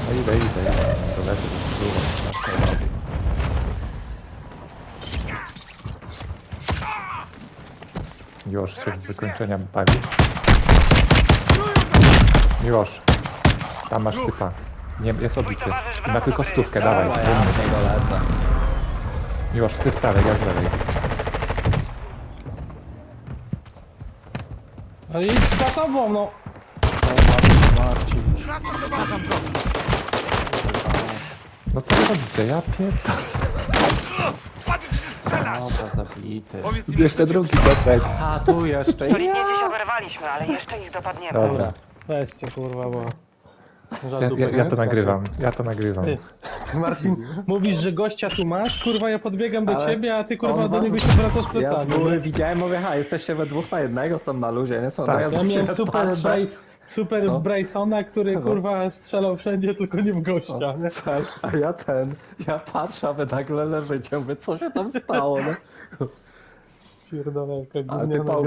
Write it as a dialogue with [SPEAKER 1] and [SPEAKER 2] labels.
[SPEAKER 1] No idę. Dolecę do skóry. Już się z wykończenia bawi. Miłosz, tam masz typa. Nie, jest obity. I ma tylko 100, dawaj.
[SPEAKER 2] Dobra, ja w niego lecę.
[SPEAKER 1] Miłosz, ty z prawej, ja z lewej.
[SPEAKER 3] Ale idź za tobą, no.
[SPEAKER 2] Marcin.
[SPEAKER 1] No co wy robicie? Ja pierdolę.
[SPEAKER 2] No to zabity.
[SPEAKER 1] Jeszcze drugi Piotrek.
[SPEAKER 2] A tu jeszcze.
[SPEAKER 4] Solidnie dziś oberwaliśmy, ale jeszcze ich dopadniemy.
[SPEAKER 1] Dobra,
[SPEAKER 3] Weźcie, kurwa, bo...
[SPEAKER 1] ja to nagrywam.
[SPEAKER 3] Ty, Marcin, mówisz, że gościa tu masz, kurwa, ja podbiegam do
[SPEAKER 2] Ale
[SPEAKER 3] ciebie, a ty, kurwa,
[SPEAKER 2] on
[SPEAKER 3] do
[SPEAKER 2] was-
[SPEAKER 3] niego się wracasz
[SPEAKER 2] Ja z
[SPEAKER 3] plecami.
[SPEAKER 2] góry widziałem, mówię, jesteście we 2 na 1, są na luzie, nie są?
[SPEAKER 1] Tak.
[SPEAKER 2] No
[SPEAKER 3] Ja
[SPEAKER 2] za
[SPEAKER 3] miałem
[SPEAKER 2] chwilę
[SPEAKER 3] super,
[SPEAKER 2] patrzę.
[SPEAKER 3] super
[SPEAKER 2] No.
[SPEAKER 3] Brysona, który,
[SPEAKER 2] No.
[SPEAKER 3] kurwa, strzelał wszędzie, tylko nie w gościa, nie?
[SPEAKER 2] Tak, a ja patrzę, a wy nagle leżycie, mówię, co się tam stało, no?
[SPEAKER 3] Pierdolę, jaka
[SPEAKER 2] Ale ty
[SPEAKER 3] gówniana